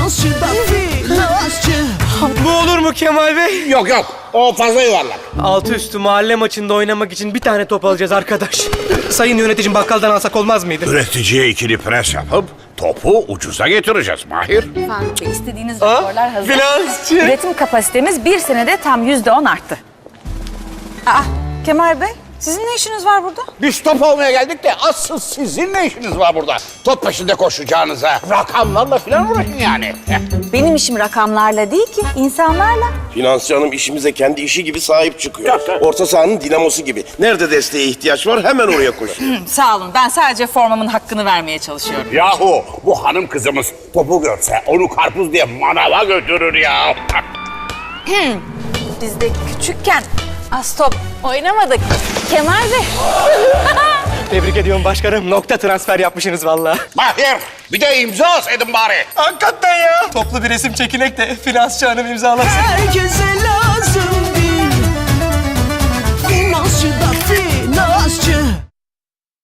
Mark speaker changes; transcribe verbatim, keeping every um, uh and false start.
Speaker 1: finansçı da finansçı.
Speaker 2: Bu olur mu Kemal Bey?
Speaker 3: Yok yok, o fazla yuvarlak.
Speaker 2: Altı üstü mahalle maçında oynamak için bir tane top alacağız arkadaş. Sayın yöneticim, bakkaldan alsak olmaz mıydı?
Speaker 3: Üreticiye ikili pres yapıp topu ucuza getireceğiz Mahir.
Speaker 4: Faruk Bey, istediğiniz raporlar hazır.
Speaker 2: Finansçı.
Speaker 4: Üretim kapasitemiz bir senede tam yüzde on arttı. Aa, Kemal Bey, sizin ne işiniz var burada?
Speaker 3: Biz top almaya geldik de asıl sizin ne işiniz var burada? Top peşinde koşacağınıza rakamlarla falan uğraşın yani.
Speaker 4: Benim işim rakamlarla değil ki, insanlarla.
Speaker 5: Finansçı hanım işimize kendi işi gibi sahip çıkıyor. Orta sahanın dinamosu gibi. Nerede desteğe ihtiyaç var hemen oraya koşuyor.
Speaker 4: Sağ olun, ben sadece formamın hakkını vermeye çalışıyorum.
Speaker 3: Yahu bu hanım kızımız topu görse onu karpuz diye manava götürür ya.
Speaker 4: Biz de küçükken az top oynamadık. Kemal Bey.
Speaker 2: Tebrik ediyorum başkanım. Nokta transfer yapmışsınız vallahi.
Speaker 3: Mahir bir de imza atsaydın bari.
Speaker 2: Hakikaten ya. Toplu bir resim çekinek de finansçı hanım imzalasın.
Speaker 1: Herkese layık.